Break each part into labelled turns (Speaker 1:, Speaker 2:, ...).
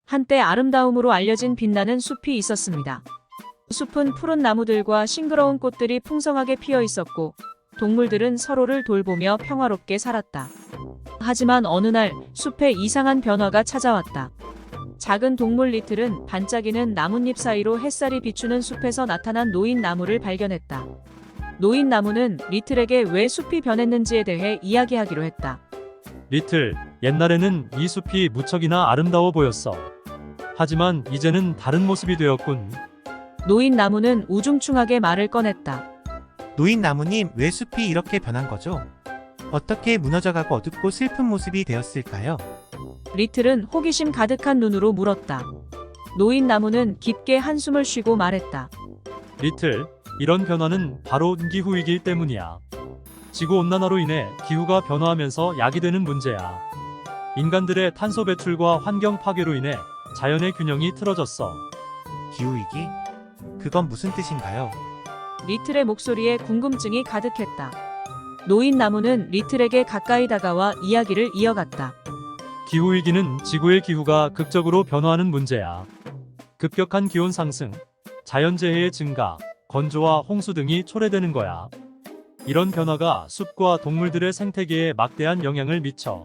Speaker 1: 한때 아름다움으로 알려진 빛나는 숲이 있었습니다. 숲은 푸른 나무들과 싱그러운 꽃들이 풍성하게 피어 있었고 동물들은 서로를 돌보며 평화롭게 살았다. 하지만 어느 날 숲에 이상한 변화가 찾아왔다. 작은 동물 리틀은 반짝이는 나뭇잎 사이로 햇살이 비추는 숲에서 나타난 노인 나무를 발견했다. 노인 나무는 리틀에게 왜 숲이 변했는지에 대해 이야기하기로 했다.
Speaker 2: 리틀, 옛날에는 이 숲이 무척이나 아름다워 보였어. 하지만 이제는 다른 모습이 되었군.
Speaker 1: 노인 나무는 우중충하게 말을 꺼냈다.
Speaker 3: 노인 나무님, 왜 숲이 이렇게 변한 거죠? 어떻게 무너져가고 어둡고 슬픈 모습이 되었을까요?
Speaker 1: 리틀은 호기심 가득한 눈으로 물었다. 노인 나무는 깊게 한숨을 쉬고 말했다.
Speaker 2: 리틀, 이런 변화는 바로 기후위기 때문이야. 지구온난화로 인해 기후가 변화하면서 야기되는 문제야. 인간들의 탄소 배출과 환경 파괴로 인해 자연의 균형이 틀어졌어.
Speaker 3: 기후위기? 그건 무슨 뜻인가요?
Speaker 1: 리틀의 목소리에 궁금증이 가득했다. 노인 나무는 리틀에게 가까이 다가와 이야기를 이어갔다.
Speaker 2: 기후위기는 지구의 기후가 극적으로 변화하는 문제야. 급격한 기온 상승, 자연재해의 증가, 건조와 홍수 등이 초래되는 거야. 이런 변화가 숲과 동물들의 생태계에 막대한 영향을 미쳐.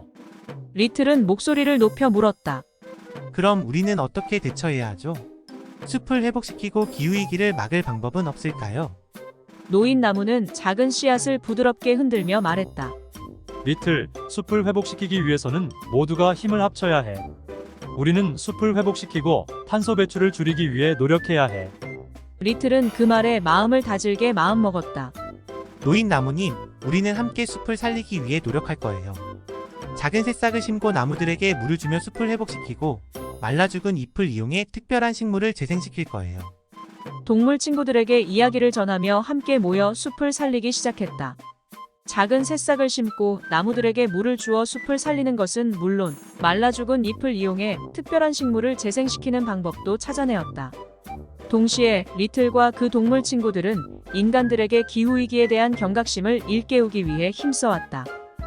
Speaker 1: 리틀은 목소리를 높여 물었다.
Speaker 3: 그럼 우리는 어떻게 대처해야 하죠? 숲을 회복시키고 기후위기를 막을 방법은 없을까요?
Speaker 1: 노인 나무는 작은 씨앗을 부드럽게 흔들며 말했다.
Speaker 2: 리틀, 숲을 회복시키기 위해서는 모두가 힘을 합쳐야 해. 우리는 숲을 회복시키고 탄소 배출을 줄이기 위해 노력해야 해.
Speaker 1: 리틀은 그 말에 마음을 다질게 마음먹었다.
Speaker 3: 노인 나무님, 우리는 함께 숲을 살리기 위해 노력할 거예요. 작은 새싹을 심고 나무들에게 물을 주며 숲을 회복시키고 말라 죽은 잎을 이용해 특별한 식물을 재생시킬 거예요.
Speaker 1: 동물 친구들에게 이야기를 전하며 함께 모여 숲을 살리기 시작했다. 작은 새싹을 심고 나무들에게 물을 주어 숲을 살리는 것은 물론 말라 죽은 잎을 이용해 특별한 식물을 재생시키는 방법도 찾아내었다. 동시에 리틀과 그 동물 친구들은 인간들에게 기후위기에 대한 경각심을 일깨우기 위해 힘써왔다.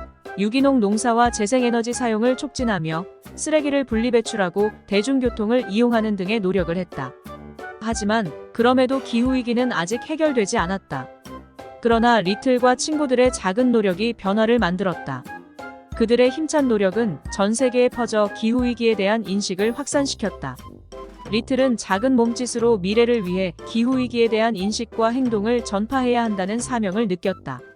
Speaker 1: 유기농 농사와 재생에너지 사용을 촉진하며 쓰레기를 분리배출하고 대중교통을 이용하는 등의 노력을 했다. 하지만 그럼에도 기후위기는 아직 해결되지 않았다. 그러나 리틀과 친구들의 작은 노력이 변화를 만들었다. 그들의 힘찬 노력은 전 세계에 퍼져 기후위기에 대한 인식을 확산시켰다. 리틀은 작은 몸짓으로 미래를 위해 기후위기에 대한 인식과 행동을 전파해야 한다는 사명을 느꼈다.